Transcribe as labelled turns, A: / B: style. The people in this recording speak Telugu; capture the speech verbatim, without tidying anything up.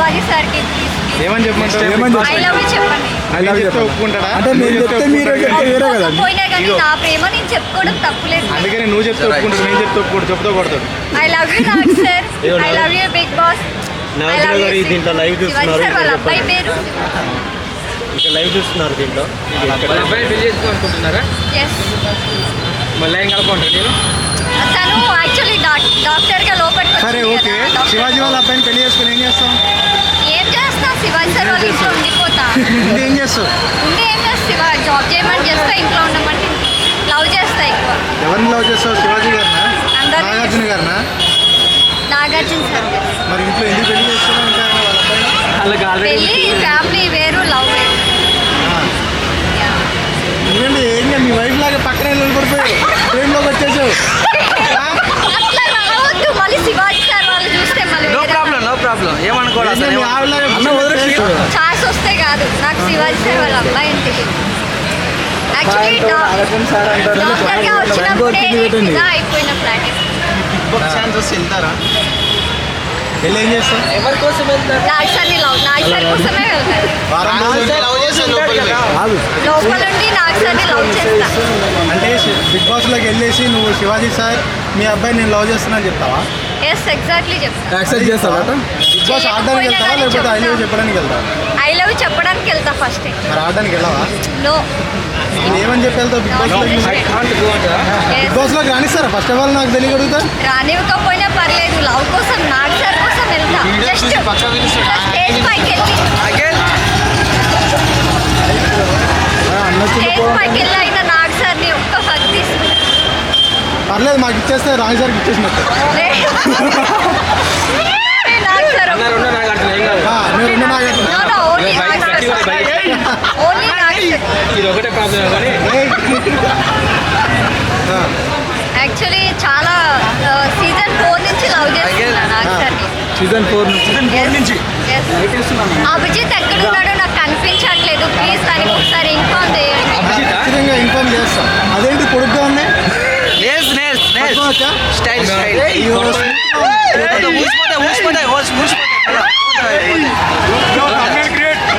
A: శివాజీ సార్కి
B: ఏమని చెప్పమంటారు?
C: ఏమని
A: ఐ లవ్ యూ చెప్పండి.
C: ఐ లవ్
B: చెప్తే ఒప్పుకుంటాడా?
C: అంటే నేను చెప్తే మీరు చెప్తే వేరే కదా.
A: పోయినా కానీ నా ప్రేమ నేను చెప్పుకోవడం తప్పులేదు.
B: అందుకని నువ్వు చెప్తే ఒప్పుకుంటాడు, నేను చెప్తే ఒప్పుకోడు, చెప్తా కొడతాడు.
A: I love you Nag sir. I love you big boss.
D: Nagarjuna garu దీంట్లో లైవ్ చూస్తున్నారు.
A: సార్ వాళ్ళ అబ్బాయి పేరు
D: ఇక్కడ లైవ్ చూస్తున్నారు దీంట్లో.
B: అబ్బాయి పెళ్లి చేసుకోవాలనుకుంటున్నారా?
A: ఎస్.
B: మళ్ళీ ఏం కలపంటారు నేను?
A: తను యాక్చువల్లీ డాక్టర్ గా లోపలికి
B: సరే ఓకే, శివాజీ వాళ్ళ అబ్బాయిని పెళ్లి చేసుకుని ఏం చేస్తాం?
A: ఏం చేస్తా శివాజీ సార్ వాళ్ళ ఇంట్లో ఉండిపోతా.
B: ఇంకా ఏం చేస్తావు?
A: ఉండి ఏం చేస్తా శివ జాబ్ చేయమని చేస్తా, ఇంట్లో ఉండమంటే లవ్ చేస్తా ఎక్కువ.
B: ఎవరిని లవ్ చేస్తావు? శివాజీ గారినా,
A: అందరినీ
B: నాగార్జున గారినా?
A: నాగార్జున సార్.
B: మరి ఇంట్లో ఎందుకు పెళ్లి చేస్తున్నావు ఇంకా వాళ్ళ అబ్బాయి?
A: పెళ్ళి ఫ్యామిలీ వేరు, లవ్ వేరు.
B: ఎందుకంటే ఏం కాదు, మీ వైఫ్ లాగా పక్కన నిలబడిపోయావు, ట్రైన్లోకి వచ్చేసావు.
A: అట్లా రావద్దు మళ్ళీ శివాజీ సార్ వాళ్ళు చూస్తే మళ్ళీ
D: నో ప్రాబ్లం నో ప్రాబ్లం ఏమనుకోవాలి అసలు.
B: మీ ఆవిడలాగా
A: ఛాన్స్ వస్తే కాదు, నాకు శివాజీ సార్ వాళ్ళ అబ్బాయి అంటే యాక్చువల్లీ డాక్టర్గా వచ్చినప్పుడే ఫిదా అయిపోయిన ఫ్లాట్.
B: ఛాన్స్ వస్తే వెళ్తారా? వెళ్ళి ఏం చేస్తావు?
D: ఎవరి కోసం వెళ్తారు?
A: నాగ్ సార్ని లవ్ నాగ్ సార్ కోసమే వెళ్తాను.
B: వారం రోజులు లవ్ చేస్తే లోపలికి వెళ్ళి.
C: కాదు
A: లోపల ఉండి నాగ్ సార్ని లవ్ చేస్తా.
B: అంటే బిగ్ బాస్ లోకి వెళ్ళేసి నువ్వు శివాజీ సార్ మీ అబ్బాయి నేను లవ్ చేస్తున్నా చెప్తావా?
A: ఎస్ ఎగ్జాక్ట్లీ చెప్తా.
C: యాక్సెప్ట్ చేస్తావా?
B: బిగ్ బాస్ ఆడడానికి వెళ్తావా లేకపోతే ఐ లవ్ చెప్పడానికి వెళ్తావా?
A: ఐ లవ్ చెప్పడానికి వెళ్తా ఫస్ట్.
B: మరి ఆడడానికి వెళ్ళవా?
A: నో.
B: ఏమని చెప్పి వెళ్తావు బిగ్ బాస్ లోకి? బిగ్ బాస్ లోకి రానిస్తారా ఫస్ట్ ఆఫ్ ఆల్? నాకు తెలియగలుగుతా.
A: రానివ్వకపోయినా పర్లేదు, లవ్ కోసం నాగ్ సార్ కోసం వెళ్తా. జస్ట్ స్టేజ్ పైకి వెళ్ళి స్టేజ్ పైకి వెళ్ళి అయినా నాగ్ సార్ని ఒక్క హగ్ తీసుకుంటా.
B: పర్లేదు, మాకు ఇచ్చేస్తే రాజు సార్కి ఇచ్చేసినట్టు.
A: నాగ్ సార్
B: ఆ, నువ్వు రెండు నాగట్టు.
A: No, no, only Nag sir. Only Nag sir.
D: ఇది ఒకటే ప్రాబ్లం కానీ
A: యాక్చువల్లీ చాలా సీజన్ ఫోర్ నుంచి లవ్ చేస్తున్నా నాగ్ సార్ని.
C: సీజన్ ఫోర్ నుంచి
A: Yes. అభిజిత్ ఎక్కడున్నాడో నాకు కనిపించట్లేదు, ప్లీజ్ దానికి ఒకసారి ఇన్ఫార్మ్ చేయండి.
B: ఖచ్చితంగా ఇన్ఫార్మ్ చేస్తాం. అదేంటి పొడుగ్గా ఉన్నాయి?
D: నేల్స్ నేల్స్ నేల్స్
B: పట్టుకోవచ్చా?
D: స్టైల్ స్టైల్
B: అయ్యో,